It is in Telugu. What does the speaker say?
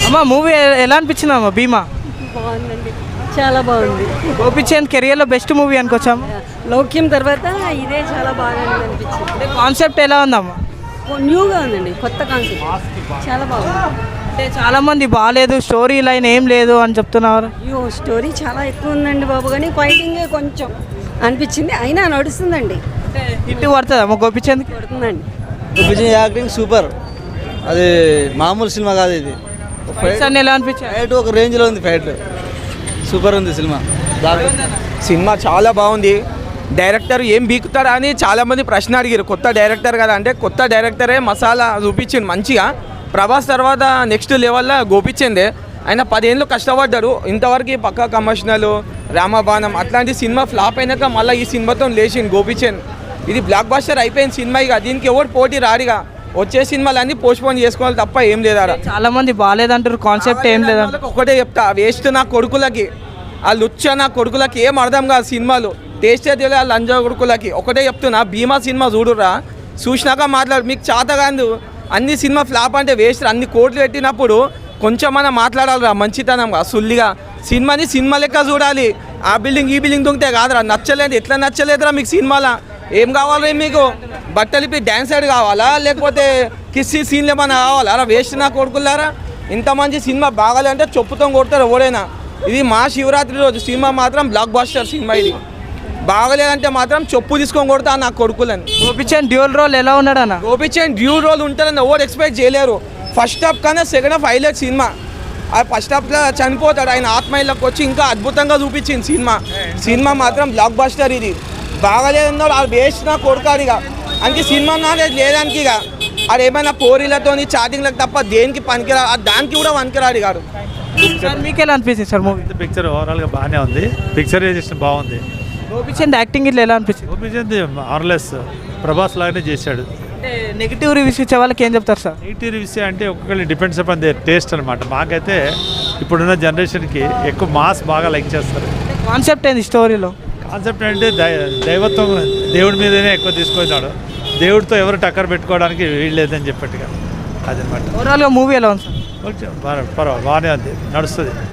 అమ్మ మూవీ ఎలా అనిపించింది అమ్మ భీమా? బాగుందండి, చాలా బాగుంది. గోపిచంద్ కెరియర్లో బెస్ట్ మూవీ అనుకోవచ్చాము. లౌక్యం తర్వాత ఇదే చాలా బాగా అనిపించింది. అంటే కాన్సెప్ట్ ఎలా ఉందమ్మా? న్యూగా ఉందండి, కొత్త కాన్సెప్ట్, చాలా బాగుంది. అంటే చాలామంది బాగాలేదు, స్టోరీ లైన్ ఏం లేదు అని చెప్తున్నారు. అయ్యో స్టోరీ చాలా ఎక్కువ ఉందండి బాబు, కానీ ఫైటింగే కొంచెం అనిపించింది, అయినా నడుస్తుందండి. అంటే హిట్ పడుతుంది అమ్మ గోపిచంద్ పడుతుందండి. Vijay acting super. అది మామూలు సినిమా కాదు, ఇది ఫైట్స్ అన్ని ఎలా అనిపించాయి? ఫైట్ ఒక రేంజ్లో ఉంది, ఫైట్ సూపర్ ఉంది సినిమా. సినిమా చాలా బాగుంది. డైరెక్టర్ ఏం బీకుతారా అని చాలామంది ప్రశ్న అడిగారు. కొత్త డైరెక్టర్ కదా అంటే, కొత్త డైరెక్టరే మసాలా చూపించింది మంచిగా. ప్రభాస్ తర్వాత నెక్స్ట్ లెవెల్లో గోపిచందే. ఆయన 10 ఏళ్ళు కష్టపడ్డారు. ఇంతవరకు పక్కా కమర్షియల్, రామబాణం అట్లాంటి సినిమా ఫ్లాప్ అయినాక మళ్ళీ ఈ సినిమాతో లేచింది గోపిచంద్. ఇది బ్లాక్ బస్టర్ అయిపోయిన సినిమా. ఇక దీనికి ఎవరు పోటీ రాడిగా. వచ్చే సినిమాలు అన్నీ పోస్ట్పోన్ చేసుకోవాలి తప్ప ఏం లేదా. చాలా మంది బాగాలేదంటారు, కాన్సెప్ట్ ఏం లేదంటారు. ఒకటే చెప్తా, వేస్ట్ నా కొడుకులకి, ఆ లుచ్చ నా కొడుకులకి ఏం అర్థం కాదు సినిమాలు. టేస్టే తెలియదు ఆ లంజా కొడుకులకి. ఒకటే చెప్తున్నా, భీమా సినిమా చూడురా, చూసినాక మాట్లాడు. మీకు చేత కాదు, అన్ని సినిమా ఫ్లాప్ అంటే వేస్ట్. అన్ని కోట్లు పెట్టినప్పుడు కొంచెం మనం మాట్లాడాలిరా మంచితనంగా, సుల్లిగా. సినిమాని సినిమా లెక్క చూడాలి. ఆ బిల్డింగ్ ఈ బిల్డింగ్ దొంగితే కాదురా. నచ్చలేదు, ఎట్లా నచ్చలేదురా మీకు సినిమాలో? ఏం కావాలి మీకు? బట్టలు ఇప్పి డ్యాన్స్ సైడ్ కావాలా, లేకపోతే కిస్సీ సీన్లు ఏమైనా కావాలా? అలా వేస్ట్ నా కొడుకులారా. ఇంత మంచి సినిమా బాగాలంటే చెప్పుతో కొడతారు ఎవరైనా. ఇది మా శివరాత్రి రోజు సినిమా మాత్రం బ్లాక్ బస్టర్ సినిమా. ఇది బాగలేదంటే మాత్రం చెప్పు తీసుకొని కొడతా నా కొడుకులని. గోపిచంద్ డ్యూల్ రోల్ ఎలా ఉన్నాడు అన్న? గోపిచంద్ డ్యూల్ రోల్ ఉంటుందని ఎవరు ఎక్స్పెక్ట్ చేయలేరు. ఫస్ట్ హాఫ్ కన్నా సెకండ్ హాఫ్ హైలైట్ సినిమా. ఆ ఫస్ట్ హాఫ్లో చనిపోతాడు, ఆయన ఆత్మీయులకు వచ్చి ఇంకా అద్భుతంగా చూపించింది సినిమా. సినిమా మాత్రం బ్లాక్ బస్టర్. ఇది బాగలేదన్నారు అది వేస్ట్ నా కొడుకాడు. ఇక అందుకే సినిమా నాది లేదానికి. ఇక అది ఏమైనా పోరీలతో చాటింగ్లకు తప్ప దేనికి పనికిరాడు, దానికి కూడా పనికిరాడు కాడు. సార్ మీకు ఎలా అనిపిస్తుంది సార్ మూవీ? పిక్చర్ ఓవరాల్గా బాగానే ఉంది, పిక్చరైజేషన్ బాగుంది. గోపిచంద్ యాక్టింగ్ ఇట్లా ఎలా అనిపించింది? గోపిచంద్ ఆర్లెస్ ప్రభాస్ లాగానే చేశాడు. అంటే నెగిటివ్ రివ్యూస్ ఇచ్చే వాళ్ళకి ఏం చెప్తారు సార్? నెగిటివ్ రివ్యూస్ అంటే ఒక్కొక్కరి డిపెండ్స్ అపాన్ దే టేస్ట్ అనమాట. మాకైతే ఇప్పుడున్న జనరేషన్కి ఎక్కువ మాస్ బాగా లైక్ చేస్తారు. కాన్సెప్ట్ ఏంది స్టోరీలో? కాన్సెప్ట్ అంటే దైవత్వం, దేవుడి మీదనే ఎక్కువ తీసుకొచ్చాడు. దేవుడితో ఎవరు టక్కర్ పెట్టుకోవడానికి వీల్లేదని చెప్పట్టుగా అదనమాట. ఓవరాల్గా మూవీ ఎలా ఉంది సార్? బాగానే ఉంది, నడుస్తుంది.